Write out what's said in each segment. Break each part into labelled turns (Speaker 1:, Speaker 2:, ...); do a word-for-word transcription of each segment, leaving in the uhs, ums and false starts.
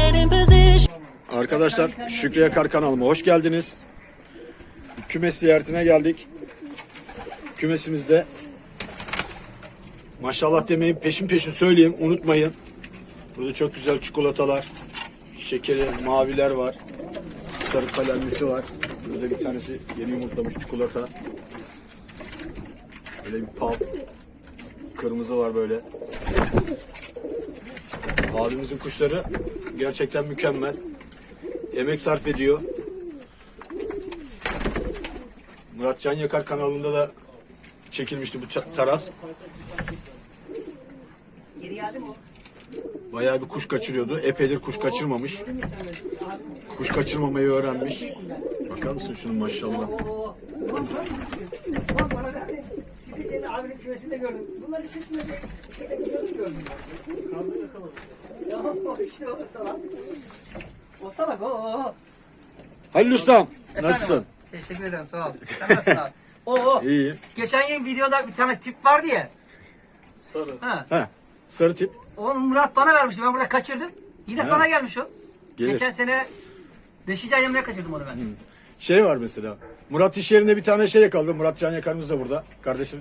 Speaker 1: Arkadaşlar Şükrü Yakar kanalıma hoş geldiniz. Kümes ziyaretine geldik. Kümesimizde maşallah demeyin, peşin peşin söyleyeyim, unutmayın. Burada çok güzel çikolatalar, şekeri, maviler var. Sarı kalemlisi var. Burada bir tanesi yeni yumurtlamış çikolata. Böyle bir pal. Kırmızı var böyle. Abimizin kuşları gerçekten mükemmel. Emek sarf ediyor. Murat Can Yakar kanalında da çekilmişti bu taras. Bayağı bir kuş kaçırıyordu. Epeydir kuş kaçırmamış. Kuş kaçırmamayı öğrenmiş. Bakar mısın şunun maşallah.
Speaker 2: Seni abinin kümesinde gördüm. Bunları şu kümesinde gördüm. Kaldı yakaladım. Ya o işte o salak. O salak o.
Speaker 1: Halil Ustam,
Speaker 2: Efendim,
Speaker 1: nasılsın?
Speaker 2: Teşekkür ederim, sağ ol. Sen nasılsın abi? O o.
Speaker 1: İyi.
Speaker 2: Geçen yıl videoda bir tane tip vardı ya.
Speaker 3: Sarı.
Speaker 2: Ha.
Speaker 1: He, sarı tip.
Speaker 2: Onu Murat bana vermişti. Ben burada kaçırdım. Yine
Speaker 1: He.
Speaker 2: sana gelmiş o.
Speaker 1: Gelir.
Speaker 2: Geçen sene beşinci ayımda kaçırdım onu ben.
Speaker 1: Hmm. Şey var mesela. Murat iş yerinde bir tane şey yakaladı. Murat Can Yakar'ımız da burada. Kardeşim.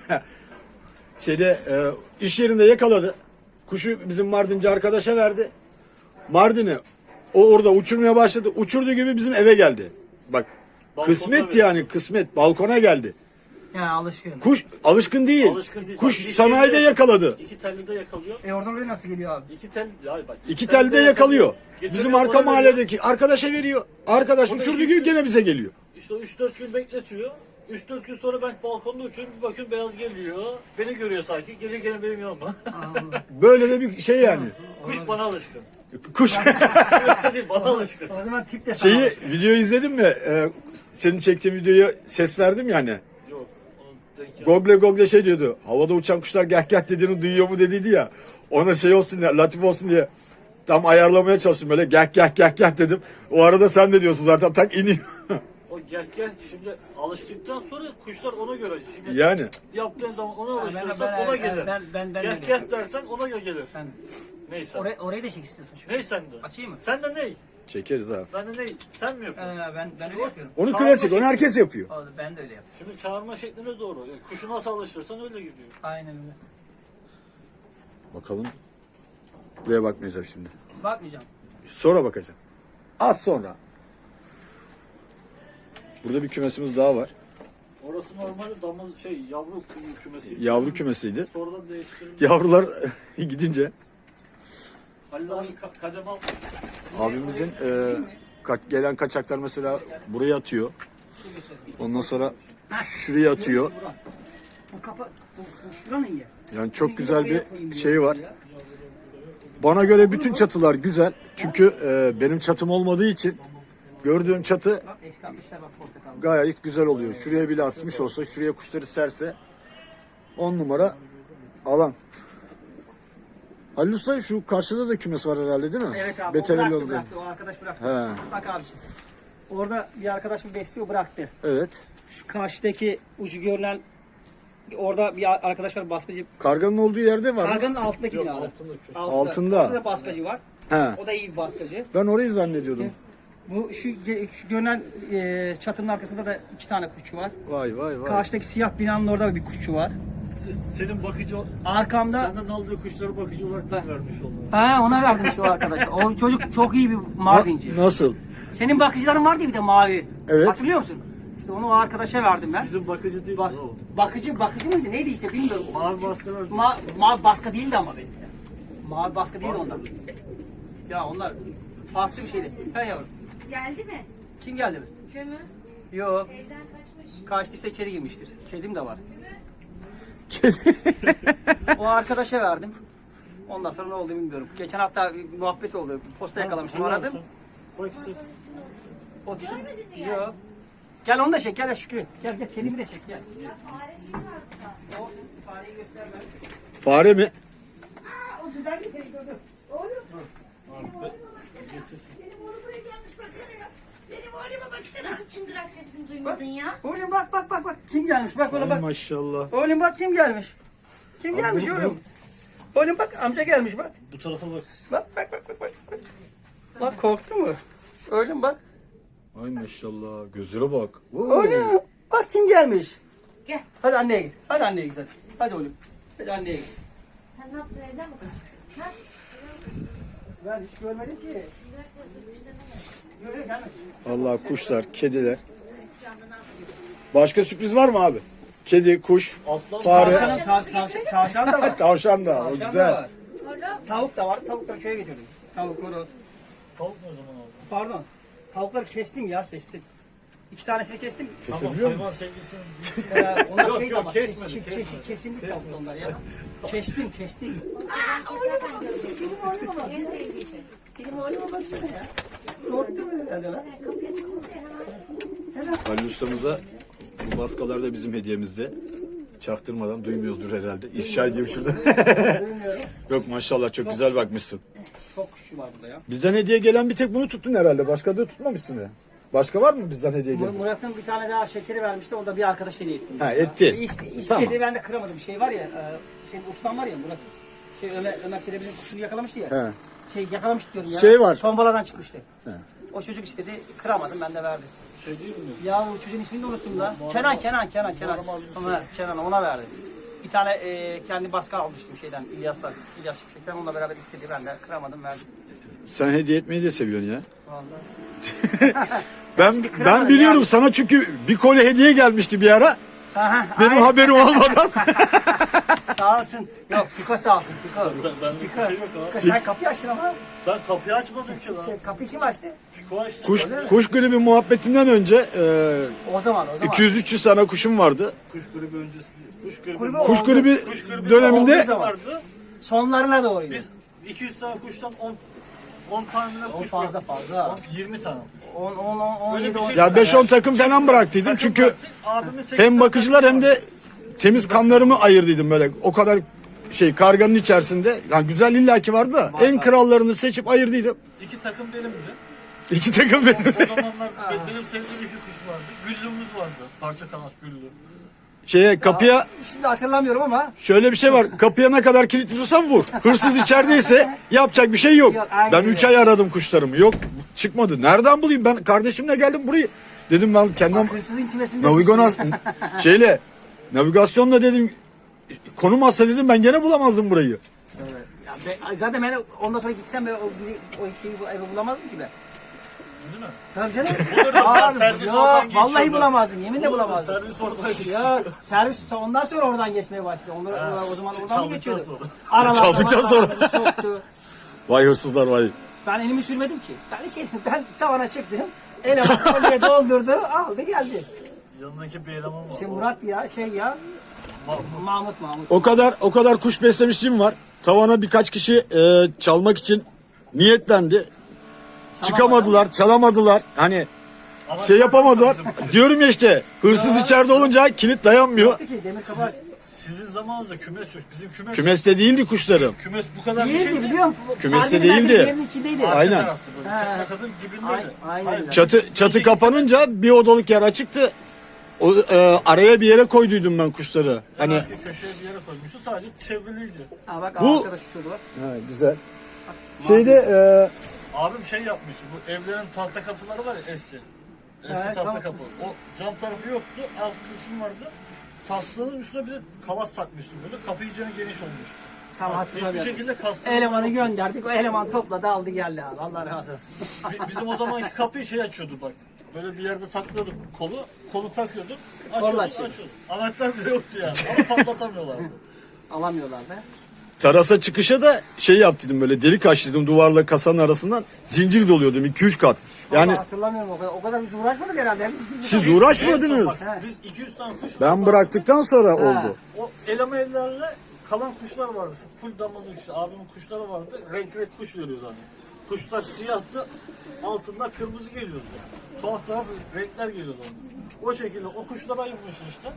Speaker 1: Şeyde e, iş yerinde yakaladı. Kuşu bizim Mardinci arkadaşa verdi. Mardin'i o orada uçurmaya başladı. Uçurduğu gibi bizim eve geldi. Bak
Speaker 3: Balkonda
Speaker 1: kısmet
Speaker 3: bir-
Speaker 1: yani kısmet. Balkona geldi.
Speaker 2: Ya alışkın.
Speaker 1: Kuş alışkın değil.
Speaker 3: Alışkın değil.
Speaker 1: Kuş
Speaker 3: Bak,
Speaker 1: sanayide
Speaker 3: iki-
Speaker 1: yakaladı.
Speaker 3: İki telli de yakalıyor.
Speaker 2: E oradan oraya nasıl geliyor abi?
Speaker 3: İki tel, ya bak.
Speaker 1: İki telde yakalıyor.
Speaker 3: Getiriyor,
Speaker 1: Bizim
Speaker 3: bana
Speaker 1: arka
Speaker 3: veriyor.
Speaker 1: mahalledeki arkadaşa veriyor. Arkadaş
Speaker 3: O da
Speaker 1: uçurduğu
Speaker 3: iki-
Speaker 1: gibi gene bize geliyor.
Speaker 3: İşte üç dört gün bekletiyor. üç dört gün sonra ben balkonda uçuyorum. Bir bakıyorum beyaz geliyor. Beni görüyor sanki. Geliyor gene benim yanıma.
Speaker 1: Böyle de bir şey yani.
Speaker 3: Kuş bana alışkın.
Speaker 1: Kuş.
Speaker 3: Yoksa değil bana alışkın.
Speaker 2: O zaman tip de sana
Speaker 1: Şeyi
Speaker 2: alışkın.
Speaker 1: videoyu izledin mi? Ee, senin çektiğin videoya ses verdim yani.
Speaker 3: Yok. Onun denk geldi.
Speaker 1: Google Google şey diyordu. Havada uçan kuşlar gah gah dediğini duyuyor mu dediydi ya. Ona şey olsun diye, latif olsun diye tam ayarlamaya çalıştım böyle gah gah gah gah dedim. O arada sen de diyorsun zaten tak iniyor.
Speaker 3: O gel gel şimdi alıştıktan sonra kuşlar ona göre. Şimdi
Speaker 1: Yani.
Speaker 3: yaptığın zaman ona
Speaker 2: ben-
Speaker 3: alıştırırsan
Speaker 2: ben-
Speaker 3: ona
Speaker 2: ben-
Speaker 3: gelir.
Speaker 2: ben- ben- ben
Speaker 3: gel
Speaker 2: öyle
Speaker 3: gel
Speaker 2: yapıyorum.
Speaker 3: dersen ona göre gelir.
Speaker 2: Sen
Speaker 3: Neyse.
Speaker 2: orayı, orayı da çek istiyorsun şu.
Speaker 3: Ney sende?
Speaker 2: Açayım mı?
Speaker 3: Sen de ney?
Speaker 1: Çekeriz abi.
Speaker 3: Ben de ney? Sen mi yapıyorsun?
Speaker 2: Ee, ben ben öyle yapıyorum.
Speaker 1: Onu
Speaker 3: Çağırma
Speaker 1: klasik, onu
Speaker 3: şekli-
Speaker 1: herkes yapıyor.
Speaker 2: Oldu, ben de öyle yapıyorum.
Speaker 3: Şimdi çağırma şekline doğru. Yani kuşu nasıl alıştırırsan öyle gidiyor.
Speaker 2: Aynen öyle.
Speaker 1: Bakalım. Buraya bakmayacağım şimdi.
Speaker 2: Bakmayacağım.
Speaker 1: Sonra bakacağım. Az sonra. Burada bir kümesimiz daha var.
Speaker 3: Orası normalde damız şey yavru kü- kümesi.
Speaker 1: Yavru kümesiydi.
Speaker 3: Sonradan değiştirildi.
Speaker 1: Yavrular gidince
Speaker 3: Halil abi ka- kacamal.
Speaker 1: abimizin e, ka- gelen kaçaklar mesela buraya atıyor. Ondan sonra şuraya atıyor.
Speaker 2: Bu kapa bu, bu şuranın ya.
Speaker 1: Yani çok güzel bir şey var. Bana göre bütün çatılar güzel. Çünkü e, benim çatım olmadığı için gördüğüm çatı
Speaker 2: Bak eski atmışlar bak portakal.
Speaker 1: gayet güzel oluyor. Şuraya bile atmış olsa, şuraya kuşları serse on numara alan. Halil Usta şu karşıda da kümes var herhalde değil mi?
Speaker 2: Evet abi
Speaker 1: Beterel
Speaker 2: o bıraktı,
Speaker 1: yolda.
Speaker 2: bıraktı o arkadaş bıraktı.
Speaker 1: He.
Speaker 2: Bak abiciğim. Orada bir arkadaşım besliyor bıraktı.
Speaker 1: Evet.
Speaker 2: Şu karşıdaki ucu görünen orada bir arkadaş var baskıcı.
Speaker 1: Karganın olduğu yerde var mı?
Speaker 2: Karganın altındaki
Speaker 3: Yok,
Speaker 2: binada.
Speaker 3: altında köşe.
Speaker 1: Altında.
Speaker 2: Orada da baskıcı var.
Speaker 1: He.
Speaker 2: O da iyi bir baskıcı.
Speaker 1: Ben orayı zannediyordum.
Speaker 2: Bu şu, şu görünen e, çatının arkasında da iki tane kuşçu var.
Speaker 1: Vay vay vay.
Speaker 2: Karşıdaki siyah binanın orada bir kuşçu var.
Speaker 3: Se- Senin bakıcı
Speaker 2: Arkamda
Speaker 3: senden aldığı kuşları bakıcı olarak da vermiş onlara.
Speaker 2: ha ona verdim işte o arkadaşa. O çocuk çok iyi bir Mardinci.
Speaker 1: Na- nasıl?
Speaker 2: Senin bakıcıların vardı ya bir de mavi.
Speaker 1: Evet.
Speaker 2: Hatırlıyor musun? İşte onu o arkadaşa verdim ben.
Speaker 3: Bizim bakıcı değil
Speaker 2: Bak,
Speaker 3: o.
Speaker 2: bakıcı bakıcı mıydı neydi işte bilmiyorum.
Speaker 3: Mavi baskılar.
Speaker 2: Ma mavi baskı değildi ama benim. ya. Mavi baskı değildi onlar. Ya onlar farklı bir şeydi. Ha yavrum.
Speaker 4: Geldi mi?
Speaker 2: Kim geldi mi?
Speaker 4: Kömür
Speaker 2: Yok.
Speaker 4: evden kaçmış.
Speaker 2: Kaçtıysa içeri girmiştir. Kedim de var.
Speaker 1: Kedi.
Speaker 2: O arkadaşa verdim. Ondan sonra ne oldu bilmiyorum. Geçen hafta bir muhabbet oldu. Posta yakalamıştım aradım.
Speaker 3: Bak işte.
Speaker 2: O Yok. Gel onu da çek gel Şükrü. Gel gel kedimi de çek gel.
Speaker 4: Ya fare şeyi var burada.
Speaker 2: Olsun fareyi göster ben.
Speaker 1: Fare mi?
Speaker 2: Aa, o güzel bir kedi gördüm.
Speaker 4: Oğlum.
Speaker 3: Abi,
Speaker 4: Benim oğlum buraya gelmiş baksana ya. Benim oğluma bak işte nasıl çıngırak sesini duymadın ya.
Speaker 2: Oğlum bak bak bak bak. Kim gelmiş bak bana
Speaker 1: Ay
Speaker 2: bak.
Speaker 1: maşallah.
Speaker 2: Oğlum bak kim gelmiş. Kim gelmiş
Speaker 1: bu-
Speaker 2: oğlum? Oğlum bak amca gelmiş bak.
Speaker 3: bu tarafa bak.
Speaker 2: Bak bak bak bak bak. Korktu mu? Öyle mi bak?
Speaker 1: Ay maşallah. Gözlere bak.
Speaker 2: Öyle mi? Bak kim gelmiş.
Speaker 4: Gel.
Speaker 2: Hadi anneye git. Hadi anneye git hadi. Hadi oğlum. Hadi anneye git.
Speaker 4: Sen ne yaptın evden mi kaçtın? Ha?
Speaker 2: Ben hiç görmedim ki.
Speaker 4: Çıngırak sesi kuşlarına mı?
Speaker 2: Yok yok gelmedi.
Speaker 1: Vallahi kuşlar, kediler.
Speaker 4: Şu anda ne yapıyorsun?
Speaker 1: Başka sürpriz var mı abi? Kedi, kuş,
Speaker 3: Aslan
Speaker 1: fare,
Speaker 2: Tavşan, tav, tavşan, tavşan da var.
Speaker 1: tavşan da. O
Speaker 2: Tavşan da
Speaker 1: güzel.
Speaker 2: var.
Speaker 4: Oğlum.
Speaker 2: Tavuk da var. Tavukları köye getirdim. Tavuk, horoz.
Speaker 3: tavuk ne zaman oldu?
Speaker 2: Pardon. Tavukları kestim ya kestim. İki tanesini kestim.
Speaker 3: Tamam
Speaker 1: Kesebiliyor musun?
Speaker 3: hayvan sevgisinin
Speaker 2: Ee, onlar
Speaker 3: Yok,
Speaker 2: şey
Speaker 3: yok,
Speaker 2: ama
Speaker 3: kesmedi,
Speaker 2: kes, kes,
Speaker 3: kesmedi.
Speaker 2: kes, kesimlik tavuk onlar ya. Kestim kestim.
Speaker 4: Zaten gördüm. En sevdiği şey.
Speaker 2: Benim oğluma baksana ya. Korktu mu herhalde lan?
Speaker 4: Kapıya çıkınca hemen.
Speaker 1: Halil ustamıza bu baskalar da bizim hediyemizde. Çaktırmadan duymuyordur herhalde. İfşa edeyim şurada.
Speaker 2: Bilmiyorum.
Speaker 1: Yok maşallah çok güzel bakmışsın.
Speaker 2: Çok kuşu var burada ya.
Speaker 1: Bizden hediye gelen bir tek bunu tuttun herhalde. Başka da tutmamışsın ya. Başka var mı bizden hediye
Speaker 2: Mur-
Speaker 1: gelen?
Speaker 2: Murat'ın bir tane daha şekeri vermişti. O da bir arkadaş hediye etti.
Speaker 1: Ha, etti.
Speaker 2: İste, istedi
Speaker 1: Tamam.
Speaker 2: ben de kıramadım. Bir şey var ya. E, şey Osman var ya Murat. Şey Ömer, Ömer Çelebi'nin kuşunu yakalamıştı ya.
Speaker 1: He.
Speaker 2: Şey yakalamış diyorum ya.
Speaker 1: Şey var.
Speaker 2: Tombaladan çıkmıştı.
Speaker 1: He.
Speaker 2: O çocuk istedi. Kıramadım ben de verdim.
Speaker 3: şey değil mi?
Speaker 2: Ya bu çocuğun ismini de unuttum da. Kenan, Kenan, Kenan, Kenan.
Speaker 3: Normal bir şey.
Speaker 2: Ömer, Kenan ona verdi. Bir tane e, kendi baskı almıştım şeyden İlyas'tan. İlyas Şimşek'ten onunla beraber istedi. Ben de kıramadım verdim.
Speaker 1: Sen hediye etmeyi de seviyorsun ya.
Speaker 2: Vallahi.
Speaker 1: Ben
Speaker 2: kıramadım
Speaker 1: ben biliyorum
Speaker 2: yani.
Speaker 1: sana çünkü bir kolye hediye gelmişti bir ara.
Speaker 2: Aha,
Speaker 1: Benim
Speaker 2: aynen.
Speaker 1: haberim olmadan.
Speaker 2: Sağ olsun. Yok Piko sağ olsun. Piko.
Speaker 3: Ben, ben bir
Speaker 2: Piko.
Speaker 3: şey yok abi.
Speaker 2: Piko sen kapıyı açtın ama.
Speaker 3: Ben kapıyı açmadım ki lan.
Speaker 2: Şey, kapıyı kim açtı?
Speaker 3: Piko açtı.
Speaker 1: Kuş
Speaker 2: Öyle mi?
Speaker 1: kuş gribi muhabbetinden önce e,
Speaker 2: O zaman o zaman.
Speaker 1: iki yüz üç yüz tane kuşum vardı.
Speaker 3: Kuş gribi öncesi değil. Kuş gribi,
Speaker 2: Kulübe
Speaker 1: Kuş
Speaker 2: oldu.
Speaker 1: gribi
Speaker 3: kuş gribi
Speaker 1: döneminde
Speaker 3: olduğu zaman vardı.
Speaker 2: Sonlarına doğruydu.
Speaker 3: Biz iki yüz tane kuştan on on tane
Speaker 2: O
Speaker 3: kuş
Speaker 2: fazla
Speaker 3: bıraktık.
Speaker 2: fazla.
Speaker 3: on, yirmi tane.
Speaker 2: on on on
Speaker 3: Öyle
Speaker 2: yedi
Speaker 3: bir
Speaker 2: on
Speaker 3: şey-
Speaker 1: ya beş on takım falan bıraktıydım
Speaker 3: Takım
Speaker 1: çünkü
Speaker 3: bıraktık, abimin sekiz
Speaker 1: hem
Speaker 3: tane
Speaker 1: bakıcılar
Speaker 3: takımı
Speaker 1: hem de temiz kanlarımı ayırdıydım böyle. O kadar şey karganın içerisinde. Yani güzel illaki vardı da
Speaker 2: Var,
Speaker 1: en
Speaker 2: var.
Speaker 1: krallarını seçip ayırdıydım.
Speaker 3: İki takım benimdi.
Speaker 1: İki takım benim.
Speaker 3: O zamanlar benim sevdiğim iki kuş vardı. Güllümüz vardı. Parça kanat güllü.
Speaker 1: Şeye kapıya
Speaker 2: Şimdi hatırlamıyorum ama.
Speaker 1: şöyle bir şey var. Kapıya ne kadar kilit vurursan vur. Hırsız içerideyse yapacak bir şey yok.
Speaker 2: Yok, aynen
Speaker 1: Ben
Speaker 2: öyle.
Speaker 1: üç ay aradım kuşlarımı. Yok çıkmadı. Nereden bulayım? Ben kardeşimle geldim burayı. Dedim ben kendim
Speaker 2: Hırsızın kümesinde.
Speaker 1: navigonas şeyle navigasyonla dedim konum atsa dedim ben gene bulamazdım burayı.
Speaker 2: Evet. Ya be- zaten ben ondan sonra gitsem ben o, bizi- o ikiyi bu evi bulamazdım ki ben.
Speaker 3: Değil mi?
Speaker 2: Tabii canım.
Speaker 3: Bulurdum ben,
Speaker 2: Abi,
Speaker 3: servis
Speaker 2: yok,
Speaker 3: oradan
Speaker 2: vallahi
Speaker 3: geçiyordu.
Speaker 2: bulamazdım. Yeminle bulamazdım.
Speaker 3: Servis oradaydı.
Speaker 2: Ya servis ondan sonra oradan geçmeye başladı. Onlar o zaman oradan mı
Speaker 3: çaldıktan
Speaker 2: geçiyordu?
Speaker 3: sonra.
Speaker 2: Aralarda
Speaker 1: Çaldıktan
Speaker 2: var,
Speaker 1: sonra.
Speaker 2: arabamızı soktu.
Speaker 1: Vay hırsızlar vay.
Speaker 2: Ben elimi sürmedim ki. Ben hiç elim, ben tavana çıktım. Eleman kolye doldurdu, aldı geldi.
Speaker 3: Yanındaki bir eleman var.
Speaker 2: Şey
Speaker 3: O-
Speaker 2: Murat ya, şey ya.
Speaker 3: Ma-
Speaker 2: Mahmut Mahmut.
Speaker 1: O kadar o kadar kuş beslemişliğim var. Tavana birkaç kişi e, çalmak için niyetlendi. Çıkamadılar, çalamadılar. Hani
Speaker 3: Ama
Speaker 1: şey yapamadılar.
Speaker 3: bizim-
Speaker 1: Diyorum ya işte hırsız içeride olunca kilit dayanmıyor.
Speaker 2: Yoktu ki demir kapı.
Speaker 3: Sizin zamanınızda kümes yok. Bizim kümes
Speaker 1: Kümeste değildi kuşlarım.
Speaker 3: kümes bu kadar bir şey
Speaker 2: Değildi
Speaker 3: değil.
Speaker 2: biliyor musun?
Speaker 1: Kümeste
Speaker 2: Harbiden
Speaker 1: değildi.
Speaker 2: bir yerin içindeydi.
Speaker 3: Arka
Speaker 1: Aynen.
Speaker 3: taraftı böyle.
Speaker 2: He.
Speaker 3: Çakmakadın dibindeydi.
Speaker 2: Aynen, aynen
Speaker 3: Hayır.
Speaker 2: öyle.
Speaker 1: Çatı çatı kapanınca bir odalık yer açıktı. O e, araya bir yere koyduydum ben kuşları. Hani
Speaker 3: Arka köşeye bir yere koymuştu. Sadece çevriliydi.
Speaker 2: Ha bak
Speaker 1: Bu-
Speaker 2: arkadaş uçuyordu bak.
Speaker 1: ha, güzel. Şeyde e,
Speaker 3: Abim şey yapmış. Bu evlerin tahta kapıları var ya eski. Eski
Speaker 2: Evet,
Speaker 3: tahta
Speaker 2: tamam.
Speaker 3: kapı. O cam tarafı yoktu. Alt kısım vardı. Tahtanın üstüne bir de kavas takmıştım böyle. Kapı iyice geniş olmuş.
Speaker 2: Tamam
Speaker 3: Hiçbir
Speaker 2: hatırlamıyorum.
Speaker 3: şekilde kastım.
Speaker 2: Elemanı gönderdik. O eleman topladı aldı geldi abi. Allah razı olsun.
Speaker 3: Bi- Bizim o zamanki kapıyı şey açıyordu bak. Böyle bir yerde saklıyorduk kolu. Kolu takıyorduk.
Speaker 2: Kolla
Speaker 3: Açıyorduk,
Speaker 2: açıyorduk.
Speaker 3: açıyorduk. Anahtar bile yoktu yani. Ama patlatamıyorlardı.
Speaker 2: Alamıyorlar be.
Speaker 1: terasa çıkışa da şey yaptıydım böyle delik açtıydım duvarla kasanın arasından zincir doluyordum iki üç kat.
Speaker 2: Yani
Speaker 1: Yani
Speaker 2: hatırlamıyorum o kadar. O kadar biz uğraşmadık herhalde. Hep biz-
Speaker 1: siz
Speaker 3: En
Speaker 1: uğraşmadınız.
Speaker 3: son bak, Biz iki yüz tane kuş.
Speaker 1: Ben bıraktıktan sonra oldu.
Speaker 3: O eleme ellerle kalan kuşlar vardı. Full damızlık işte. Abimin kuşları vardı. Renk renk kuş veriyordu hani. Kuşlar siyahtı. Altında kırmızı geliyordu. Tuhaf tuhaf renkler geliyordu ona. O şekilde o kuşlara ayırmış işte.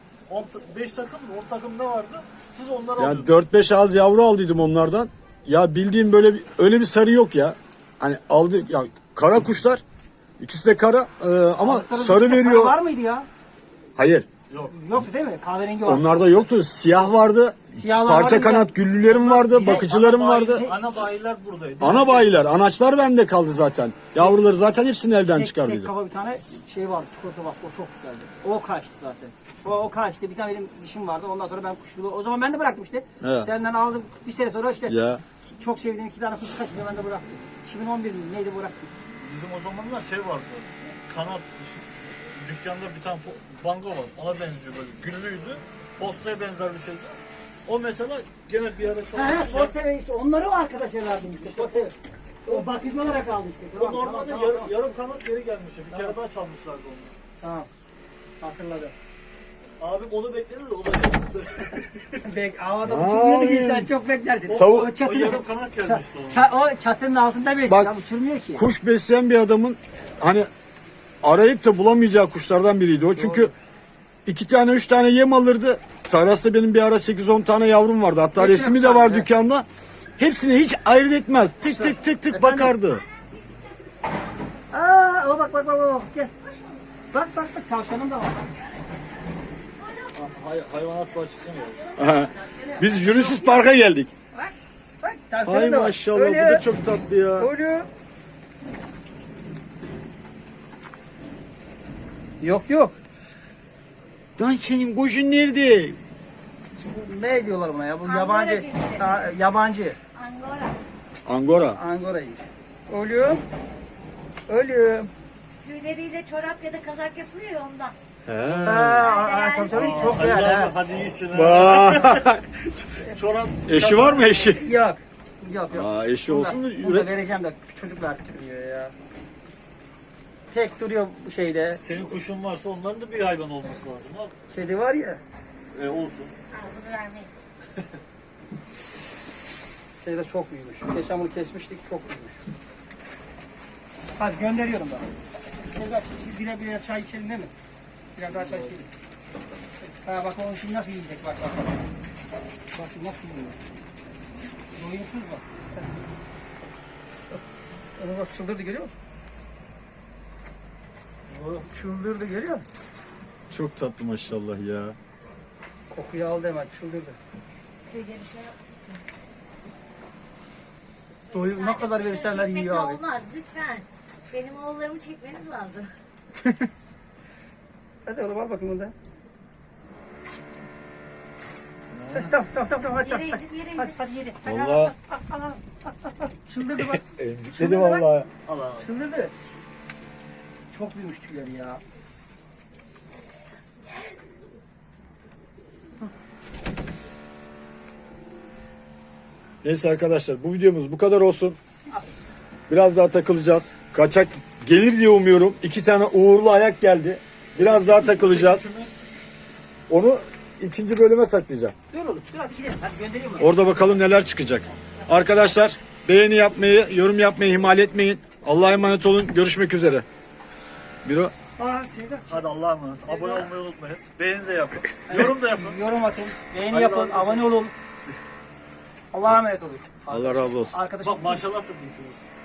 Speaker 3: beş takım mı? on takım ne vardı? Siz onları
Speaker 1: Yani
Speaker 3: alıyordunuz.
Speaker 1: dört beş ağız yavru aldıydım onlardan. Ya bildiğim böyle bir, öyle bir sarı yok ya. Hani aldı ya kara kuşlar. İkisi de kara e, ama
Speaker 2: Altların
Speaker 1: sarı
Speaker 2: içinde
Speaker 1: veriyor.
Speaker 2: var mıydı ya?
Speaker 1: Hayır.
Speaker 3: Yok.
Speaker 2: Yoktu değil mi? Kahverengi vardı.
Speaker 1: Onlarda yoktu. Siyah vardı.
Speaker 2: Siyahlar
Speaker 1: Parça
Speaker 2: vardı,
Speaker 1: kanat
Speaker 2: bir
Speaker 1: güllülerim vardı.
Speaker 2: bir de
Speaker 1: Bakıcılarım
Speaker 3: Ana
Speaker 1: vardı.
Speaker 3: bayi- Ana bayiler buradaydı.
Speaker 1: Ana bayiler. Anaçlar bende kaldı zaten. Yavruları zaten hepsini elden
Speaker 2: Tek,
Speaker 1: çıkardıydım.
Speaker 2: tek kafa bir tane şey vardı, çikolata baskı, o çok güzeldi. O kaçtı zaten. O, o kaçtı, bir tane benim dişim vardı, ondan sonra ben kuşluğu, o zaman ben de bıraktım işte.
Speaker 1: Evet.
Speaker 2: Senden aldım, bir sene sonra işte
Speaker 1: Ya.
Speaker 2: çok sevdiğim iki tane kuş kaçınca ben de bıraktım. iki bin on bir mi neydi bıraktım.
Speaker 3: Bizim o zamanlar şey vardı. Kanat dükkanda bir tane po- bango var. Ona benziyor böyle. Güllüydü. Postaya benzer bir şeydi. O mesela gene bir ara
Speaker 2: Ha ha, Posteve işte, onları o arkadaşlar verdim işte, Posteve. O bakıcı olarak aldı işte.
Speaker 3: O
Speaker 2: Tamam,
Speaker 3: normalde
Speaker 2: tamam,
Speaker 3: yarım,
Speaker 2: tamam,
Speaker 3: yarım kanat geri gelmiş. Bir
Speaker 2: Tamam.
Speaker 3: kere daha çalmışlardı onu.
Speaker 2: tamam. Hatırladım.
Speaker 3: Abim onu bekledi de o da yaptı.
Speaker 2: Bek, havada
Speaker 1: Ay.
Speaker 2: uçurmuyordu ki sen çok beklersin.
Speaker 1: Tavuk-
Speaker 2: o,
Speaker 3: O
Speaker 2: çatının,
Speaker 3: yarım kanat
Speaker 2: ça-
Speaker 3: gelmişti ona.
Speaker 2: ça- o çatının altında besliyor,
Speaker 1: Bak,
Speaker 2: ya, uçurmuyor ki.
Speaker 1: Kuş besleyen bir adamın hani arayıp da bulamayacağı kuşlardan biriydi o. Çünkü iki tane üç tane yem alırdı. Tarlas'ta benim bir ara sekiz on tane yavrum vardı. Hatta
Speaker 2: Hepsini
Speaker 1: resmi de
Speaker 2: yapsam,
Speaker 1: var
Speaker 2: evet.
Speaker 1: dükkanda. Hepsini hiç ayırt etmez. Tık tık tık tık
Speaker 2: Efendim?
Speaker 1: bakardı.
Speaker 2: Aa, o bak bak bak bak gel. Bak bak bak tavşanım da var.
Speaker 3: Hay, hayvanat bahçesine geldi.
Speaker 1: Biz Jurassic Park'a geldik.
Speaker 2: Bak bak tavşanım
Speaker 1: Ay
Speaker 2: da var.
Speaker 1: maşallah
Speaker 2: Öyle.
Speaker 1: bu da çok tatlı ya.
Speaker 2: Öyle. Yok yok.
Speaker 1: Lan senin kuşun nerede?
Speaker 2: Ne diyorlar buna ya? Bu
Speaker 4: Angora
Speaker 2: yabancı.
Speaker 4: cinsi.
Speaker 2: Ta- yabancı.
Speaker 4: Angora.
Speaker 1: Angora.
Speaker 2: Angora'ymış. Ölüyorum. Ölüyorum.
Speaker 4: Tüyleriyle çorap ya da kazak yapılıyor ya ondan.
Speaker 1: He.
Speaker 2: Aa, aa, tabii tabii çok
Speaker 3: Hadi
Speaker 2: güzel
Speaker 3: abi
Speaker 2: ha.
Speaker 3: hadi iyisin ha.
Speaker 1: Vay.
Speaker 3: Çorap.
Speaker 1: Eşi var mı eşi?
Speaker 2: Yok. Yok yok.
Speaker 1: Aa, eşi
Speaker 2: Bunu da-
Speaker 1: olsun da
Speaker 2: bunu da
Speaker 1: üret.
Speaker 2: vereceğim de çocuklar duruyor ya. Tek duruyor bu şeyde.
Speaker 3: Senin kuşun varsa onların da bir hayvan olması lazım abi.
Speaker 2: Kedi var ya.
Speaker 3: E olsun.
Speaker 4: Ha, bunu vermeyiz.
Speaker 2: Sayıda çok büyümüş. Geçen bunu kesmiştik, çok büyümüş. Hadi gönderiyorum daha. Biraz bire bire çay içelim değil mi? Biraz daha çay içelim. Ha bak onun şimdi nasıl yiyecek bak bak. Bak, bak şimdi nasıl yiyor. Doyumsuz bak. Onu bak çıldırdı görüyor musun? O çıldırdı görüyor musun?
Speaker 1: Çok tatlı maşallah ya.
Speaker 2: Kokuyu aldı hemen çıldırdı.
Speaker 4: Tüyleri şey yapmışsın.
Speaker 2: Doyum ne kadar verirsenler
Speaker 4: Çekmekle
Speaker 2: yiyor abi.
Speaker 4: olmaz lütfen. Benim oğullarımı çekmeniz lazım.
Speaker 2: Hadi oğlum al bakayım bunu da. Tamam tamam tamam tamam hadi.
Speaker 4: Yere indir, yere
Speaker 2: Hadi
Speaker 4: indir.
Speaker 2: hadi yedi. Hadi,
Speaker 1: Vallahi
Speaker 2: al, al, al, al, al. Çıldırdı bak.
Speaker 1: dedim vallahi.
Speaker 3: Al abi.
Speaker 2: Çıldırdı. Çok büyümüş tüyleri ya.
Speaker 1: Neyse arkadaşlar bu videomuz bu kadar olsun. Biraz daha takılacağız. Kaçak gelir diye umuyorum. İki tane uğurlu ayak geldi. Biraz daha takılacağız. Onu ikinci bölüme saklayacağım.
Speaker 2: Dur oğlum dur hadi gidelim. Hadi göndereyim onu.
Speaker 1: Orada bakalım neler çıkacak. Arkadaşlar beğeni yapmayı, yorum yapmayı ihmal etmeyin. Allah'a emanet olun. Görüşmek üzere. Biro.
Speaker 2: Aa Sevda.
Speaker 3: Hadi Allah'a emanet. Abone olmayı unutmayın. Beğeni de yapın. Yorum da yapın.
Speaker 2: Yorum atın. Beğeni
Speaker 3: Hadi
Speaker 2: yapın.
Speaker 3: razı olsun.
Speaker 2: Abone olun. Allah'a emanet olun.
Speaker 1: Allah razı olsun.
Speaker 2: Arkadaşım.
Speaker 3: Bak maşallah da diyorsunuz.